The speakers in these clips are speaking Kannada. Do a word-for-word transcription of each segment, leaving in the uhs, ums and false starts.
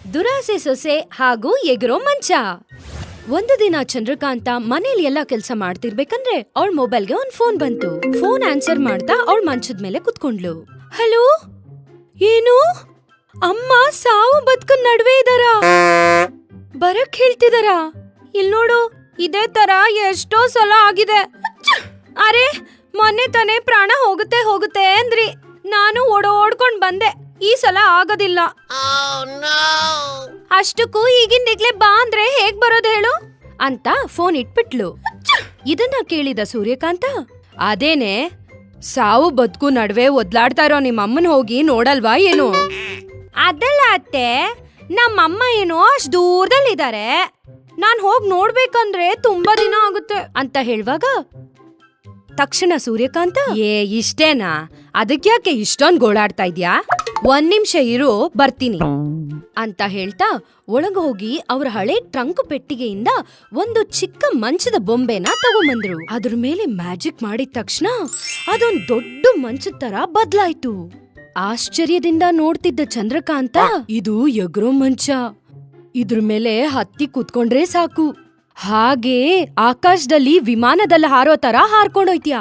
ದುರಾಸೆ ಸೊಸೆ ಹಾಗೂ ಎಗರೋ ಮಂಚ. ಒಂದು ದಿನ ಚಂದ್ರಕಾಂತ ಮನೇಲಿ ಎಲ್ಲಾ ಕೆಲ್ಸ ಮಾಡ್ತಿರ್ಬೇಕಂದ್ರೆ ಅವಳ ಮೊಬೈಲ್ಗೆ ಒಂದ್ ಫೋನ್ ಬಂತು. ಫೋನ್ ಆನ್ಸರ್ ಮಾಡ್ತಾ ಅವಳ ಮಂಚದ ಮೇಲೆ ಕುತ್ಕೊಂಡ್ಲು. ಹಲೋ, ಏನು? ಅಮ್ಮ ಸಾವು ಬದುಕು ನಡುವೆ ಇದಾರ? ಬರಕ್ ಹೇಳ್ತಿದಾರ? ಇಲ್ ನೋಡು, ಇದೇ ತರ ಎಷ್ಟೋ ಸಲ ಆಗಿದೆ. ಅರೆ, ಮೊನ್ನೆ ತಾನೇ ಪ್ರಾಣ ಹೋಗುತ್ತೆ ಹೋಗುತ್ತೆ ಅಂದ್ರಿ, ನಾನು ಓಡೋಡ್ಕೊಂಡ್ ಬಂದೆ. ಈ ಸಲ ಆಗೋದಿಲ್ಲ. ಅಷ್ಟಕ್ಕೂ ಈಗಿಂದಿಗ್ಲೇ ಬಾ ಅಂದ್ರೆ ಹೇಗ್ ಬರೋದ್ ಹೇಳು ಅಂತ ಫೋನ್ ಇಟ್ಬಿಟ್ಲು. ಇದನ್ನ ಕೇಳಿದ ಸೂರ್ಯಕಾಂತ, ಅದೇನೆ, ಸಾವು ಬದುಕು ನಡುವೆ ಒದ್ಲಾಡ್ತಾ ಇರೋ ನಿಮ್ಮಮ್ಮನ್ ಹೋಗಿ ನೋಡಲ್ವಾ ಏನು? ಅದಲ್ಲ ಅತ್ತೆ, ನಮ್ಮಮ್ಮ ಏನೋ ಅಷ್ಟ್ ದೂರದಲ್ಲಿದ್ದಾರೆ, ನಾನ್ ಹೋಗ್ ನೋಡ್ಬೇಕಂದ್ರೆ ತುಂಬಾ ದಿನ ಆಗುತ್ತೆ ಅಂತ ಹೇಳುವಾಗ ತಕ್ಷಣ ಸೂರ್ಯಕಾಂತ, ಏ ಇಷ್ಟೇನಾ, ಅದಕ್ಯಾಕೆ ಇಷ್ಟೊಂದ್ ಗೋಳಾಡ್ತಾ ಇದ್ಯಾ? ಒಂದ್ ನಿಮಿಷ ಇರು, ಬರ್ತೀನಿ ಅಂತ ಹೇಳ್ತಾ ಒಳಗ ಹೋಗಿ ಅವ್ರ ಹಳೆ ಟ್ರಂಕ್ ಪೆಟ್ಟಿಗೆಯಿಂದ ಒಂದು ಚಿಕ್ಕ ಮಂಚದ ಬೊಂಬೆನ ತಗೊಂಬಂದ್ರು. ಅದ್ರ ಮೇಲೆ ಮ್ಯಾಜಿಕ್ ಮಾಡಿದ ತಕ್ಷಣ ಅದೊಂದ್ ದೊಡ್ಡ ಮಂಚದ ತರ ಬದ್ಲಾಯ್ತು. ಆಶ್ಚರ್ಯದಿಂದ ನೋಡ್ತಿದ್ದ ಚಂದ್ರಕಾಂತ, ಇದು ಎಗ್ರೋ ಮಂಚ, ಇದ್ರ ಮೇಲೆ ಹತ್ತಿ ಕೂತ್ಕೊಂಡ್ರೆ ಸಾಕು, ಹಾಗೆ ಆಕಾಶದಲ್ಲಿ ವಿಮಾನದಲ್ಲಿ ಹಾರೋ ತರ ಹಾರ್ಕೊಂಡೋಯ್ತ್ಯಾ.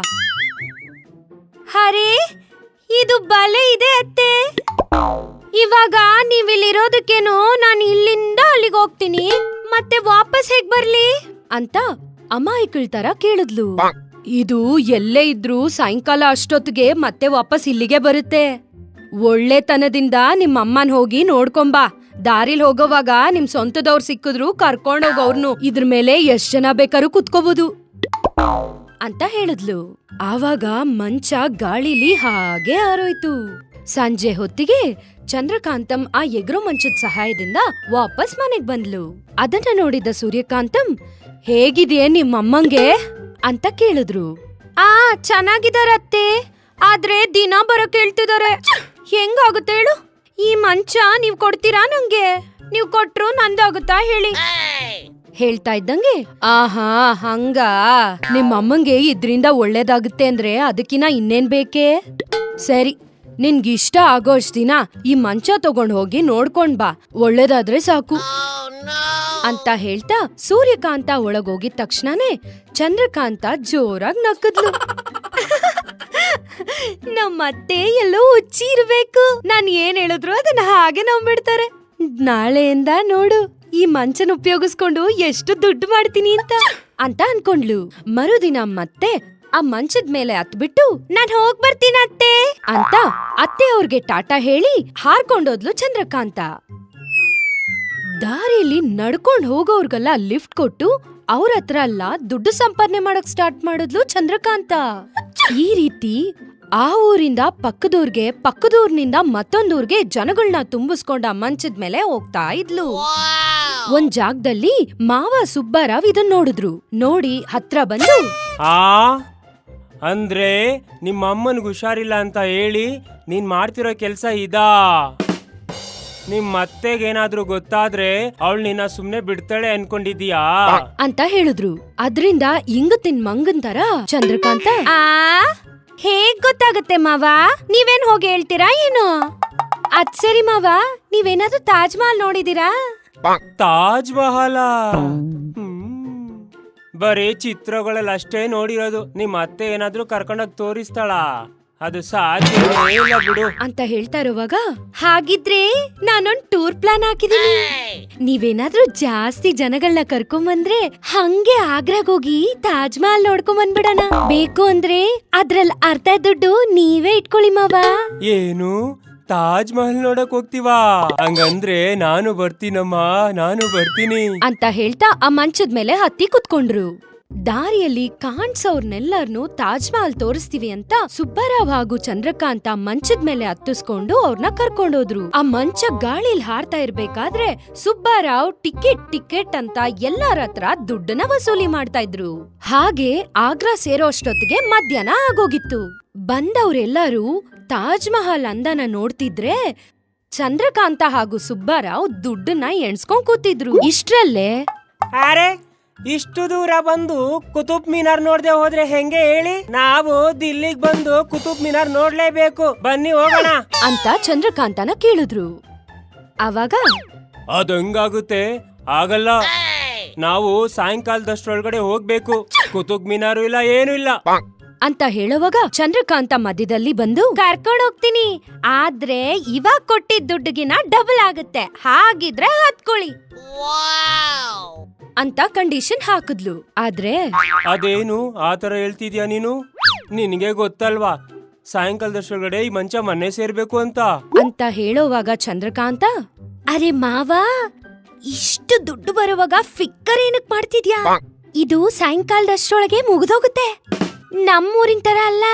ಹರೇ, ಇದು ಬಲೆ ಇದೆ ಅತ್ತೆ. ಇವಾಗ ನೀವಿಲ್ಲಿರೋದಕ್ಕೇನೋ ನಾನು ಇಲ್ಲಿಂದ ಅಲ್ಲಿಗೆ ಹೋಗ್ತೀನಿ, ಮತ್ತೆ ವಾಪಸ್ ಹೇಗ್ ಬರ್ಲಿ ಅಂತ ಅಮಾಯಕಳ ತರ ಕೇಳಿದ್ಲು. ಇದು ಎಲ್ಲೇ ಇದ್ರೂ ಸಾಯಂಕಾಲ ಅಷ್ಟೊತ್ತಿಗೆ ಮತ್ತೆ ವಾಪಸ್ ಇಲ್ಲಿಗೆ ಬರುತ್ತೆ. ಒಳ್ಳೆತನದಿಂದ ನಿಮ್ಮಮ್ಮನ್ ಹೋಗಿ ನೋಡ್ಕೊಂಬಾ. ದಾರಿಲ್ ಹೋಗೋವಾಗ ನಿಮ್ ಸ್ವಂತದವ್ರು ಸಿಕ್ಕಿದ್ರು ಕರ್ಕೊಂಡೋಗವ್ರನ್ನು, ಇದ್ರ ಮೇಲೆ ಎಷ್ಟ್ ಜನ ಬೇಕಾದ್ರೂ ಕುತ್ಕೋಬಹುದು ಅಂತ ಹೇಳಿದ್ಲು. ಆವಾಗ ಮಂಚ ಗಾಳಿಲಿ ಹಾಗೆ ಹಾರೋಯ್ತು. ಸಂಜೆ ಹೊತ್ತಿಗೆ ಚಂದ್ರಕಾಂತಂ ಆ ಎಗ್ರೋ ಮಂಚದ ಸಹಾಯದಿಂದ ವಾಪಸ್ ಮನೆಗ್ ಬಂದ್ಲು. ಅದನ್ನ ನೋಡಿದ ಸೂರ್ಯಕಾಂತಂ, ಹೇಗಿದೆಯೇ ನಿಮ್ಮಮ್ಮಂಗೆ ಅಂತ ಕೇಳಿದ್ರು. ಆ ಚೆನ್ನಾಗಿದಾರತ್ತೆ, ಆದ್ರೆ ದಿನ ಬರಕ್ ಹೇಳ್ತಿದಾರೆ. ಹೆಂಗಾಗುತ್ತೆ ಹೇಳು? ಈ ಮಂಚ ನೀವ್ ಕೊಡ್ತೀರಾ ನಂಗೆ? ನೀವ್ ಕೊಟ್ರು ನಂದಾಗುತ್ತಾ ಹೇಳಿ? ಹೇಳ್ತಾ ಇದ್ದಂಗೆ, ಆಹಾ ಹಂಗ, ನಿಮ್ಮಮ್ಮಂಗೆ ಇದ್ರಿಂದ ಒಳ್ಳೇದಾಗುತ್ತೆ ಅಂದ್ರೆ ಅದಕ್ಕಿನ ಇನ್ನೇನ್ ಬೇಕೇ? ಸರಿ, ನಿನ್ಗಿಷ್ಟ ಆಗೋ ಅಷ್ಟ್ ದಿನ ಈ ಮಂಚ ತಗೊಂಡ್ ಹೋಗಿ ನೋಡ್ಕೊಂಡ್ ಬಾ, ಒಳ್ಳೇದಾದ್ರೆ ಸಾಕು ಅಂತ ಹೇಳ್ತಾ ಸೂರ್ಯಕಾಂತ ಒಳಗೋಗಿದ ತಕ್ಷಣನೇ ಚಂದ್ರಕಾಂತ ಜೋರಾಗಿ ನಕ್ಕದ್ಲು. ನಮ್ಮತ್ತೆ ಎಲ್ಲೋ ಹುಚ್ಚಿ ಇರ್ಬೇಕು, ನಾನ್ ಏನ್ ಹೇಳಿದ್ರು ಅದನ್ನ ಹಾಗೆ ನಂಬಿಡ್ತಾರೆ. ನಾಳೆಯಿಂದ ನೋಡು, ಈ ಮಂಚನ ಉಪಯೋಗಿಸ್ಕೊಂಡು ಎಷ್ಟು ದುಡ್ಡು ಮಾಡ್ತೀನಿ ಅಂತ ಅಂತ ಅನ್ಕೊಂಡ್ಲು. ಮರುದಿನ ಮತ್ತೆ ಆ ಮಂಚದ ಮೇಲೆ ಹತ್ಬಿಟ್ಟು, ನಾನ್ ಹೋಗ್ ಬರ್ತೀನಿ ಅತ್ತೆ ಅಂತ ಅತ್ತೆ ಅವ್ರಿಗೆ ಟಾಟಾ ಹೇಳಿ ಹಾರ್ಕೊಂಡೋದ್ಲು ಚಂದ್ರಕಾಂತ. ದಾರಿಯಲ್ಲಿ ನಡ್ಕೊಂಡ್ ಹೋಗೋರ್ಗೆಲ್ಲ ಲಿಫ್ಟ್ ಕೊಟ್ಟು ಅವ್ರ ಹತ್ರ ಎಲ್ಲ ದುಡ್ಡು ಸಂಪಾದನೆ ಮಾಡಕ್ ಸ್ಟಾರ್ಟ್ ಮಾಡಿದ್ಲು ಚಂದ್ರಕಾಂತ. ಈ ರೀತಿ ಆ ಊರಿಂದ ಪಕ್ಕದೂರ್ಗೆ, ಪಕ್ಕದೂರ್ನಿಂದ ಮತ್ತೊಂದೂರ್ಗೆ ಜನಗಳನ್ನ ತುಂಬಿಸ್ಕೊಂಡ ಮಂಚದ ಮೇಲೆ ಹೋಗ್ತಾ ಇದ್ಲು. ಒಂದ್ ಜಾಗದಲ್ಲಿ ಮಾವ ಸುಬ್ಬಾರಾವ್ ಇದನ್ ನೋಡಿದ್ರು. ನೋಡಿ ಹತ್ರ ಬಂದು, ಆ ಅಂದ್ರೆ ನಿಮ್ಮ ಅಮ್ಮನಿಗೆ ಹುಷಾರಿಲ್ಲ ಅಂತ ಹೇಳಿ ನೀನ್ ಮಾಡ್ತಿರೋ ಕೆಲ್ಸ ಇದಾ? ನಿಮ್ ಮತ್ತೆಗೇನಾದ್ರೂ ಗೊತ್ತಾದ್ರೆ ಅವಳು ನಿನ್ನ ಸುಮ್ನೆ ಬಿಡ್ತಾಳೆ ಅನ್ಕೊಂಡಿದೀಯಾ ಅಂತ ಹೇಳಿದ್ರು. ಅದ್ರಿಂದ ಇಂಗತಿನ್ ಮಂಗನ್ ತರ ಚಂದ್ರಕಾಂತ, ಆ ಹೇಗ್ ಗೊತ್ತಾಗತ್ತೆ ಮಾವ? ನೀವೇನ್ ಹೋಗಿ ಹೇಳ್ತೀರಾ ಏನು? ಅದ್ ಸರಿ ಮಾವ, ನೀವೇನಾದ್ರೂ ತಾಜ್ ಮಹಲ್ ನೋಡಿದೀರಾ? ತಾಜ್ ಮಹಲ ಬರೀ ಚಿತ್ರಗಳಲ್ಲಿ ಅಷ್ಟೇ ನೋಡಿರೋದು. ನಿಮ್ ಅತ್ತೆ ಏನಾದ್ರೂ ಕರ್ಕೊಂಡೋಗಿ ತೋರಿಸ್ತಾಳ? ಅದು ಸಾಧ್ಯವೇ ಇಲ್ಲ ಬಿಡು ಅಂತ ಹೇಳ್ತಾ ಇರುವಾಗ, ಹಾಗಿದ್ರೆ ನಾನೊಂದ್ ಟೂರ್ ಪ್ಲಾನ್ ಹಾಕಿದೀನಿ. ನೀವೇನಾದ್ರೂ ಜಾಸ್ತಿ ಜನಗಳನ್ನ ಕರ್ಕೊಂಬಂದ್ರೆ ಹಂಗೆ ಆಗ್ರಾಗ್ ಹೋಗಿ ತಾಜ್ ಮಹಲ್ ನೋಡ್ಕೊಂಡ್ ಬಂದ್ಬಿಡಣ. ಬೇಕು ಅಂದ್ರೆ ಅದ್ರಲ್ಲಿ ಅರ್ಧ ದುಡ್ಡು ನೀವೇ ಇಟ್ಕೊಳ್ಳಿ ಮಾವ. ಏನು, ತಾಜ್ ಮಹಲ್ ನೋಡಕ್ ಹೋಗ್ತೀವಾ? ಹಂಗಂದ್ರೆ ನಾನು ಬರ್ತೀನಮ್ಮ, ನಾನು ಬರ್ತೀನಿ ಅಂತ ಹೇಳ್ತಾ ಆ ಮಂಚದ ಮೇಲೆ ಹತ್ತಿ ಕುತ್ಕೊಂಡ್ರು. ದಾರಿಯಲ್ಲಿ ಕಾಣ್ಸೋರ್ನೆಲ್ಲರ್ನು ತಾಜ್ ಮಹಲ್ ತೋರಿಸ್ತೀವಿ ಅಂತ ಸುಬ್ಬಾರಾವ್ ಹಾಗೂ ಚಂದ್ರಕಾಂತ ಮಂಚದ ಮೇಲೆ ಹತ್ತಿಸ್ಕೊಂಡು ಅವ್ರನ್ನ ಕರ್ಕೊಂಡೋದ್ರು. ಆ ಮಂಚ ಗಾಳಿಲ್ ಹಾರ್ತಾ ಇರ್ಬೇಕಾದ್ರೆ ಸುಬ್ಬಾರಾವ್ ಟಿಕೆಟ್ ಟಿಕೆಟ್ ಅಂತ ಎಲ್ಲಾರ ಹತ್ರ ದುಡ್ಡನ್ನ ವಸೂಲಿ ಮಾಡ್ತಾ ಇದ್ರು. ಹಾಗೆ ಆಗ್ರಾ ಸೇರೋ ಅಷ್ಟೊತ್ತಿಗೆ ಮಧ್ಯಾಹ್ನ ಆಗೋಗಿತ್ತು. ಬಂದವ್ರೆಲ್ಲರೂ ತಾಜ್ ಮಹಲ್ ಅಂದನ ನೋಡ್ತಿದ್ರೆ ಚಂದ್ರಕಾಂತ ಹಾಗೂ ಸುಬ್ಬಾರಾವ್ ದುಡ್ಡನ್ನ ಎಣ್ಸ್ಕೊಂಡ್ ಕೂತಿದ್ರು. ಇಷ್ಟ್ರಲ್ಲೇ, ಅರೆ ಇಷ್ಟು ದೂರ ಬಂದು ಕುತುಬ್ ಮಿನಾರ್ ನೋಡ್ದೆ ಹೋದ್ರೆ ಹೆಂಗೆ ಹೇಳಿ? ನಾವು ದಿಲ್ಲಿಗ್ ಬಂದು ಕುತುಬ್ ಮಿನಾರ್ ನೋಡ್ಲೇಬೇಕು, ಬನ್ನಿ ಹೋಗೋಣ ಅಂತ ಚಂದ್ರಕಾಂತನ ಕೇಳಿದ್ರು. ಅವಾಗ ಅದು ಹೆಂಗಾಗುತ್ತೆ? ಆಗಲ್ಲ. ನಾವು ಸಾಯಂಕಾಲದಷ್ಟ್ರೊಳಗಡೆ ಹೋಗ್ಬೇಕು. ಕುತುಬ್ ಮಿನಾರು ಇಲ್ಲ, ಏನು ಇಲ್ಲ ಅಂತ ಹೇಳುವಾಗ ಚಂದ್ರಕಾಂತ ಮಧ್ಯದಲ್ಲಿ ಬಂದು ಕರ್ಕೊಂಡ್ ಹೋಗ್ತೀನಿ, ಆದ್ರೆ ಇವಾಗ ಕೊಟ್ಟಿದ್ ದುಡ್ಡಿಗಿನ ಡಬಲ್ ಆಗುತ್ತೆ, ಹಾಗಿದ್ರೆ ಹತ್ಕೊಳ್ಳಿ ಅಂತ ಕಂಡೀಷನ್ ಹಾಕಿದ್ಲು. ಆದ್ರೆ ಅದೇನು ಆತರ ಹೇಳ್ತಿದ್ಯಾ ನೀನು? ನಿನಗೆ ಗೊತ್ತಲ್ವಾ ಸಾಯಂಕಾಲದಷ್ಟ್ರೊಳಗಡೆ ಈ ಮಂಚ ಮನೆ ಸೇರ್ಬೇಕು ಅಂತ ಅಂತ ಹೇಳೋವಾಗ ಚಂದ್ರಕಾಂತ, ಅರೆ ಮಾವ, ಇಷ್ಟು ದುಡ್ಡು ಬರುವಾಗ ಫಿಕ್ಕರ್ ಏನಕ್ ಮಾಡ್ತಿದ್ಯಾ? ಇದು ಸಾಯಂಕಾಲದಷ್ಟ್ರೊಳಗೆ ಮುಗಿದೋಗುತ್ತೆ, ನಮ್ಮೂರಿನ ತರ ಅಲ್ಲ.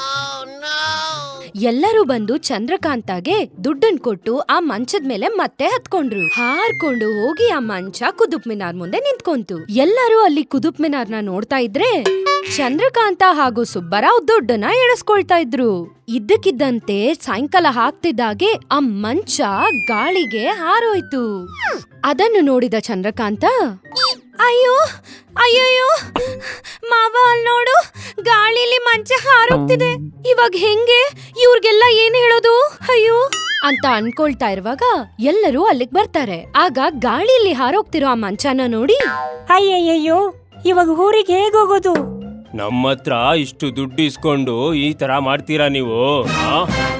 ಎಲ್ಲರೂ ಬಂದು ಚಂದ್ರಕಾಂತಾಗೆ ದುಡ್ಡನ್ ಕೊಟ್ಟು ಆ ಮಂಚದ ಮೇಲೆ ಮತ್ತೆ ಹತ್ಕೊಂಡ್ರು. ಹಾರ್ಕೊಂಡು ಹೋಗಿ ಆ ಮಂಚ ಕುದುಪ್ ಮಿನಾರ್ ಮುಂದೆ ನಿಂತ್ಕೊಂತು. ಎಲ್ಲರೂ ಅಲ್ಲಿ ಕುದುಪ್ ಮಿನಾರ್ನ ನೋಡ್ತಾ ಇದ್ರೆ ಚಂದ್ರಕಾಂತ ಹಾಗೂ ಸುಬ್ಬರಾವ್ ದುಡ್ಡನ್ನ ಎಣಿಸ್ಕೊಳ್ತಾ ಇದ್ರು. ಇದ್ದಕ್ಕಿದ್ದಂತೆ ಸಾಯಂಕಾಲ ಹಾಕ್ತಿದ್ದಾಗೆ ಆ ಮಂಚ ಗಾಳಿಗೆ ಹಾರೋಯ್ತು. ಅದನ್ನು ನೋಡಿದ ಚಂದ್ರಕಾಂತ, ಅಯ್ಯೋ ಅಯ್ಯಯ್ಯೋ ಮಾವ, ಅಲ್ಲಿ ನೋಡು, ಗಾಳಿಲಿ ಮಂಚ ಹಾರೋಗ್ತಿದೆ, ಇವಾಗ ಹೆಂಗೆ? ಇವ್ರಿಗೆಲ್ಲ ಏನ್ ಹೇಳೋದು? ಅಯ್ಯೋ ಅಂತ ಅನ್ಕೊಳ್ತಾ ಇರುವಾಗ ಎಲ್ಲರೂ ಅಲ್ಲಿಗ್ ಬರ್ತಾರೆ. ಆಗ ಗಾಳಿಲಿ ಹಾರೋಗ್ತಿರೋ ಆ ಮಂಚನ ನೋಡಿ, ಅಯ್ಯಯ್ಯೋ, ಇವಾಗ ಊರಿಗೆ ಹೇಗ್ ಹೋಗೋದು? ನಮ್ಮ ಹತ್ರ ಇಷ್ಟು ದುಡ್ಡು ಇಸ್ಕೊಂಡು ಈ ತರ ಮಾಡ್ತೀರಾ ನೀವು? ಆ?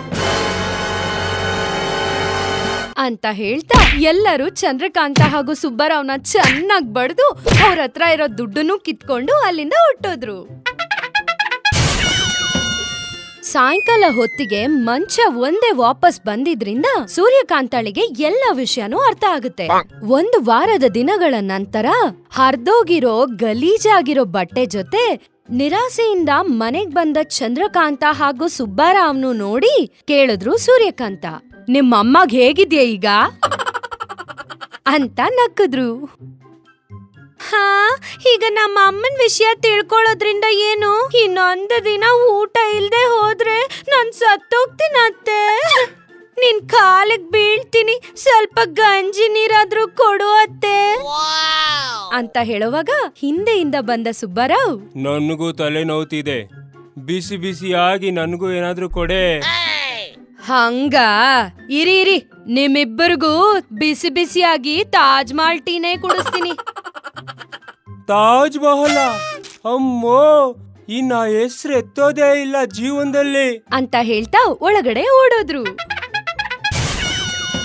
ಅಂತ ಹೇಳ್ತಾ ಎಲ್ಲರೂ ಚಂದ್ರಕಾಂತ ಹಾಗೂ ಸುಬ್ಬರಾವ್ನ ಚೆನ್ನಾಗ್ ಬಡ್ದು ಅವ್ರ ಹತ್ರ ಇರೋ ದುಡ್ಡನ್ನು ಕಿತ್ಕೊಂಡು ಅಲ್ಲಿಂದ ಹೊಟ್ಟೋದ್ರು. ಸಾಯಂಕಾಲ ಹೊತ್ತಿಗೆ ಮಂಚ ಒಂದೇ ವಾಪಸ್ ಬಂದಿದ್ರಿಂದ ಸೂರ್ಯಕಾಂತಾಳಿಗೆ ಎಲ್ಲ ವಿಷಯನೂ ಅರ್ಥ ಆಗುತ್ತೆ. ಒಂದು ವಾರದ ದಿನಗಳ ನಂತರ ಹರ್ದೋಗಿರೋ ಗಲೀಜಾಗಿರೋ ಬಟ್ಟೆ ಜೊತೆ ನಿರಾಸೆಯಿಂದ ಮನೆಗ್ ಬಂದ ಚಂದ್ರಕಾಂತ ಹಾಗೂ ಸುಬ್ಬರಾವ್ನು ನೋಡಿ ಕೇಳಿದ್ರು ಸೂರ್ಯಕಾಂತ, ನಿಮ್ಮಮ್ಮಗ್ ಹೇಗಿದ್ಯಾ ಈಗ ಅಂತ ನಕ್ಕಿದ್ರು. ಹಾ, ಈಗ ನಮ್ಮ ಅಮ್ಮನ್ ವಿಷಯ ತಿಳ್ಕೊಳ್ಳೋದ್ರಿಂದ ಏನು? ಇನ್ನೊಂದು ದಿನ ಊಟ ಇಲ್ದೆ ಹೋದ್ರೆ ನಾನ್ ಸತ್ತೋಗ್ತೀನತ್ತೆ. ನಿನ್ ಕಾಲಿಗ್ ಬೀಳ್ತೀನಿ, ಸ್ವಲ್ಪ ಗಂಜಿ ನೀರಾದ್ರೂ ಕೊಡು ಅತ್ತೆ ಅಂತ ಹೇಳುವಾಗ ಹಿಂದೆಯಿಂದ ಬಂದ ಸುಬ್ಬರಾವ್, ನನಗೂ ತಲೆ ನೋವ್ತಿದೆ, ಬಿಸಿ ಬಿಸಿಯಾಗಿ ನನಗೂ ಏನಾದ್ರೂ ಕೊಡೆ. ಹಂಗ ಇರಿ ಇರಿ, ನಿಮ್ಮಿಬ್ಬರಿಗೂ ಬಿಸಿ ಬಿಸಿಯಾಗಿ ತಾಜ್ ಮಹಲ್ ಟೀನೇ ಕುಡಿಸ್ತೀನಿ. ತಾಜ್ ಮಹಲ? ಅಮ್ಮೋ, ಇನ್ನ ಹೆಸ್ರು ಎತ್ತೋದೇ ಇಲ್ಲ ಜೀವನದಲ್ಲಿ ಅಂತ ಹೇಳ್ತಾ ಒಳಗಡೆ ಓಡೋದ್ರು.